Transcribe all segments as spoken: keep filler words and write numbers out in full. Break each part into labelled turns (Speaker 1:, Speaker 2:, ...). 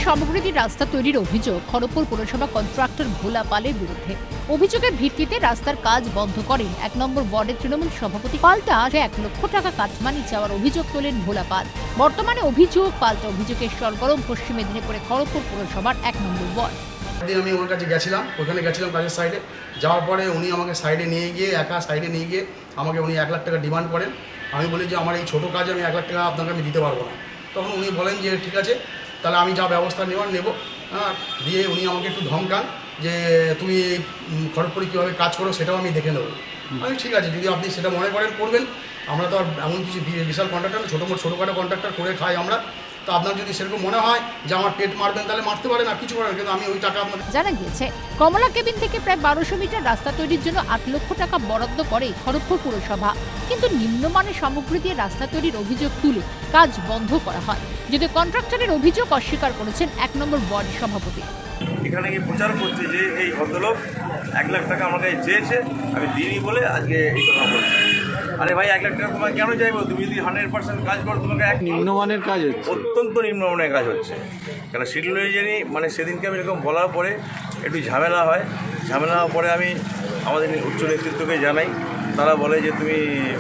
Speaker 1: সামগ্রী দিয়ে রাস্তা তৈরির অভিযোগ খড়গপুর পৌরসভা কন্ট্রাক্টর ভোলা পালের বিরুদ্ধে। অভিযোগের ভিত্তিতে রাস্তার কাজ বন্ধ করেন এক নম্বর ওয়ার্ডের তৃণমূল সভাপতি। পাল্টা এক লক্ষ টাকা কাটমানি চাওয়ার অভিযোগ তোলেন ভোলা পাল। বর্তমানে অভিযোগ পাল্টা অভিযোগের সরগরম পশ্চিম মেদিনীপুরে খড়গপুর পৌরসভার এক নম্বর ওয়ার্ড।
Speaker 2: আমি ওর কাছে গেছিলাম, ওখানে গেছিলাম কাজের সাইডে। যাওয়ার পরে উনি আমাকে সাইডে নিয়ে গিয়ে একা সাইডে নিয়ে গিয়ে আমাকে উনি এক লাখ টাকা ডিমান্ড করেন। আমি বলি যে আমার এই ছোটো কাজে আমি এক লাখ টাকা আপনাকে আমি দিতে পারবো না। তখন উনি বলেন যে ঠিক আছে, তাহলে আমি যা ব্যবস্থা নেওয়ার নেব। হ্যাঁ, দিয়ে উনি আমাকে একটু ধমকান যে তুমি খড়গপুরে কীভাবে কাজ করো সেটাও আমি দেখে নেবো। আমি ঠিক আছে, যদি আপনি সেটা মনে করেন করবেন। আমরা তো আর এমন কিছু বিশাল কন্ট্রাক্টর না, ছোটো মোটো ছোটোখাটো কন্ট্রাক্টর করে খাই আমরা। তো আপনার যদি সেরকম মনে হয় যে আমার পেট মারবেন তাহলে মারতে পারেন, আর কিছু করেন, কিন্তু আমি ওই টাকা আপনার।
Speaker 1: জানা গিয়েছে কমলা কেবিন থেকে প্রায় বারোশো মিটার রাস্তা তৈরির জন্য আট লক্ষ টাকা বরাদ্দ করে খড়গপুর পুরসভা, কিন্তু নিম্নমানের সামগ্রী দিয়ে রাস্তা তৈরির অভিযোগ তুলে কাজ বন্ধ করা হয়। যদি কন্ট্রাক্টরের অভিযোগ অস্বীকার করেছেন এক নম্বর ওয়ার্ড সভাপতি।
Speaker 3: এখানে গিয়ে প্রচার করছে যে এই ভদ্রলোক এক লাখ টাকা আমাকে চেয়েছে, আমি দিইনি বলে আজকে এই কথা বলছি। আরে ভাই, এক লাখ টাকা তোমাকে কেন চাইবো? তুমি যদি হান্ড্রেড পার্সেন্ট কাজ করো, তোমাকে এক
Speaker 4: নিম্নমানের কাজ হচ্ছে,
Speaker 3: অত্যন্ত নিম্নমানের কাজ হচ্ছে। কেন শিডিউল অনুযায়ী মানে সেদিনকে আমি এরকম বলার পরে একটু ঝামেলা হয়। ঝামেলা হওয়ার পরে আমি আমাদের উচ্চ নেতৃত্বকে জানাই। তারা বলে যে তুমি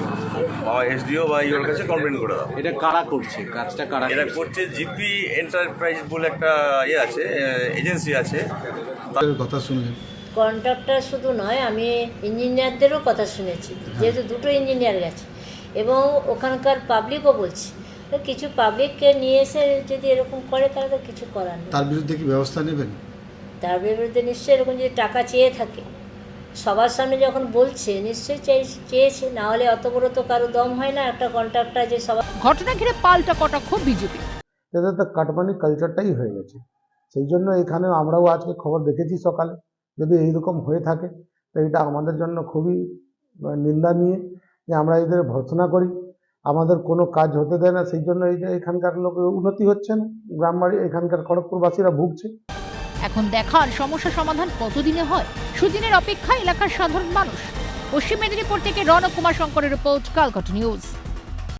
Speaker 3: এসডিও বা ইওর কাছে কমপ্লেন করে দাও।
Speaker 4: এটা কারা করছে কাজটা? কারা
Speaker 3: এটা করছে জিপি এন্টারপ্রাইজ বলে একটা ইয়ে আছে, এজেন্সি আছে।
Speaker 2: তাদের কথা শুনলেন?
Speaker 5: কন্ট্রাক্টর শুধু নয়, আমি ইঞ্জিনিয়ারদেরও কথা শুনেছি, যেহেতু দুটো ইঞ্জিনিয়ার গেছে, এবং ওখানকার পাবলিকও বলছে। কিছু পাবলিককে নিয়ে এসে যদি এরকম করে তাহলে তো কিছু করার নেই।
Speaker 2: তার বিরুদ্ধে কি ব্যবস্থা নেবেন?
Speaker 5: তার বিরুদ্ধে নিশ্চয়ই এরকম যদি টাকা চেয়ে থাকে, সবার সামনে যখন বলছে নিশ্চয়ই চেয়েছে, না হলে অত বড় তো কারো দম হয় না একটা কন্ট্রাক্টর যে সবার।
Speaker 1: ঘটনা ঘিরে পাল্টা কটাক্ষ বিজেপি।
Speaker 6: এটা তো কাটমানি কালচারটাই হয়ে গেছে। সেই জন্য এখানে আমরাও আজকে খবর দেখেছি সকালে, যদি এইরকম হয়ে থাকে তো এটা আমাদের জন্য খুবই নিন্দনীয় যে আমরা এদের ভর্ৎসনা করি, আমাদের কোনো কাজ হতে দেয় না। সেই জন্য এই যে এখানকার লোক উন্নতি হচ্ছে না, গ্রাম বাড়ি এখানকার খড়গপুরবাসীরা ভুগছে।
Speaker 1: এখন দেখার সমস্যা সমাধান কতদিনে হয়, সুদিনের অপেক্ষা এলাকার সাধারণ মানুষ। পশ্চিম মেদিনীপুর থেকে রণকুমার শঙ্করের রিপোর্ট, কালকাটা নিউজ।